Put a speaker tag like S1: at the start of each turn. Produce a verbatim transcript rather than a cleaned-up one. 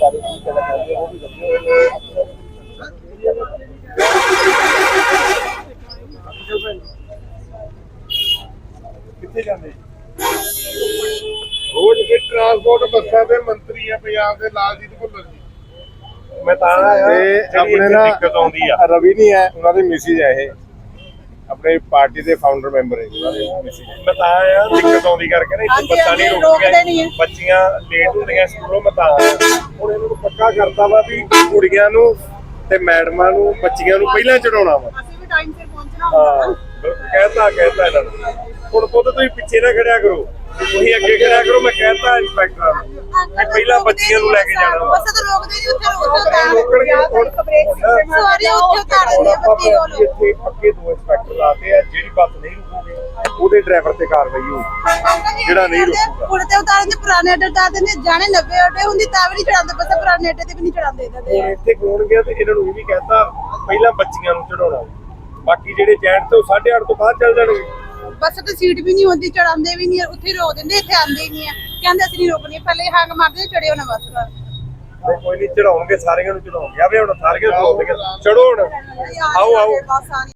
S1: ਸਾਰੇ ਤਰੀਕੇ ਨਾਲ ਕਰਦੇ ਉਹ ਵੀ ਲੱਗੇ ਹੋਏ ਨੇ। ਕਿੱਥੇ ਜਾਂਦੇ
S2: ਰੋਜ਼ ਇਹ ਟਰਾਂਸਪੋਰਟ ਬੱਸਾਂ ਦੇ ਮੰਤਰੀ ਆ ਪੰਜਾਬ ਦੇ ਲਾਲਜੀਤ ਭੁੱਲਰ ਜੀ।
S1: ਮੈਂ ਤਾਂ ਆਇਆ
S2: ਤੇ ਆਪਣੇ ਨਾ
S1: ਦਿੱਕਤ ਆਉਂਦੀ ਆ
S2: ਰਵੀ ਨਹੀਂ ਹੈ, ਉਹਨਾਂ ਦੇ ਮਿਸਿਜ ਹੈ ਇਹ, ਆਪਣੇ ਪਾਰਟੀ ਦੇ ਫਾਊਂਡਰ ਮੈਂਬਰ ਹੈ ਉਹਨਾਂ ਦੇ ਮਿਸਿਜ।
S1: ਮੈਂ ਤਾਂ ਆਇਆ ਦਿੱਕਤ ਆਉਂਦੀ ਕਰਕੇ ਨਾ ਇੱਥੇ ਬੱਸਾਂ ਨਹੀਂ ਰੁਕਦੀਆਂ, ਬੱਚੀਆਂ ਲੇਟ ਹੁੰਦੀਆਂ ਸਕੂਲੋਂ। ਮੈਂ ਤਾਂ ਆਇਆ ਹੁਣ ਇਹਨਾਂ ਨੂੰ ਪੱਕਾ ਕਰਤਾ ਵਾ ਵੀ ਕੁੜੀਆਂ ਨੂੰ ਤੇ ਮੈਡਮਾਂ ਨੂੰ ਬੱਚੀਆਂ ਨੂੰ ਪਹਿਲਾਂ ਚੜਾਉਣਾ ਵਾ।
S3: ਅਸੀਂ ਵੀ ਟਾਈਮ ਸਿਰ ਪਹੁੰਚਣਾ
S1: ਹਾਂ ਕਹਿਤਾ ਕਹਿਤਾ ਇਹਨਾਂ ਨੂੰ ਹੁਣ ਪੁੱਤ ਤੁਸੀਂ ਪਿੱਛੇ ਨਾ ਖੜਿਆ ਕਰੋ, ਤੁਸੀਂ ਅੱਗੇ ਖੜਿਆ ਕਰੋ। ਮੈਂ ਕਹਿਤਾ ਇੰਸਪੈਕਟਰਾਂ ਨੂੰ ਕਿ ਪਹਿਲਾਂ ਬੱਚੀਆਂ ਨੂੰ ਲੈ ਕੇ ਜਾਣਾ ਵਾ।
S3: ਬਸ ਤਾਂ ਰੋਕਦੇ ਨਹੀਂ, ਉੱਥੇ ਉੱਥੇ
S1: ਰੋਕਣਗੇ ਹੁਣ
S3: ਸਵਾਰੀ ਉੱਥੇ ਉਤਾਰ ਦਿੰਦੇ ਆ ਬੱਤੀ ਕੋਲ।
S1: ਇੱਥੇ ਪੱਕੇ ਦੋ ਇੰਸਪੈਕਟਰ ਲਾਤੇ ਆ, ਜਿਹੜੀ ਬੱਸ ਨਹੀਂ ਰੁਕੂਗੀ ਉਹਦੇ ਡਰਾਈਵਰ ਤੇ ਕਾਰਵਾਈ ਹੋਊ, ਜਿਹੜਾ ਨਹੀਂ ਰੁਕੂਗਾ।
S3: ਪੁਲ ਤੇ ਉਤਾਰ ਦਿੰਦੇ, ਪੁਰਾਣੇ ਅੱਡੇ ਉਤਾਰ ਦਿੰਦੇ, ਜਾਣੇ ਨੱਬੇ ਅੱਡੇ ਹੁੰਦੀ ਤਾਂ ਵੀ ਨਹੀਂ ਚੜਾਉਂਦੇ ਬੱਸ, ਪੁਰਾਣੇ ਅੱਡੇ ਤੇ ਵੀ ਨਹੀਂ ਚੜਾਉਂਦੇ ਇਹਨਾਂ ਦੇ।
S1: ਹੁਣ ਇੱਥੇ ਕੋਣ ਗਿਆ ਤੇ ਇਹਨਾਂ ਨੂੰ ਇਹ ਵੀ ਕਹਿਤਾ ਪਹਿਲਾਂ ਬੱਚੀਆਂ ਨੂੰ ਚੜਾਉਣਾ, ਬਾਕੀ ਜਿਹੜੇ ਜੈਂਟ ਤੋਂ ਸਾਢੇ ਅੱਠ ਤੋਂ ਬਾਅਦ ਚੱਲ ਜਾਣਗੇ।
S3: ਬੱਸ ਤੇ ਸੀਟ ਵੀ ਨਹੀਂ ਹੁੰਦੀ, ਚੜਾਉਂਦੇ ਵੀ ਨਹੀਂ, ਉੱਥੇ ਰੋਕ ਦਿੰਦੇ, ਇੱਥੇ ਆਉਂਦੇ ਹੀ ਨਹੀਂ ਆ। ਕਹਿੰਦੇ ਅਸੀਂ ਨਹੀਂ ਰੋਕਣੀ, ਪਹਿਲੇ ਹੰਗ ਮਾਰਦੇ ਚੜਿਓ ਨਾ ਬੱਸ ਦਾ।
S1: ਨਹੀਂ ਕੋਈ ਨਹੀਂ ਚੜਾਉਣਗੇ, ਸਾਰਿਆਂ ਨੂੰ ਚੜਾਉਣਗੇ। ਆਵੇ ਹੁਣ ਸਾਰਿਆਂ ਨੂੰ ਚੜਾਉਣਗੇ, ਚੜੋ ਹੁਣ, ਆਓ ਆਓ।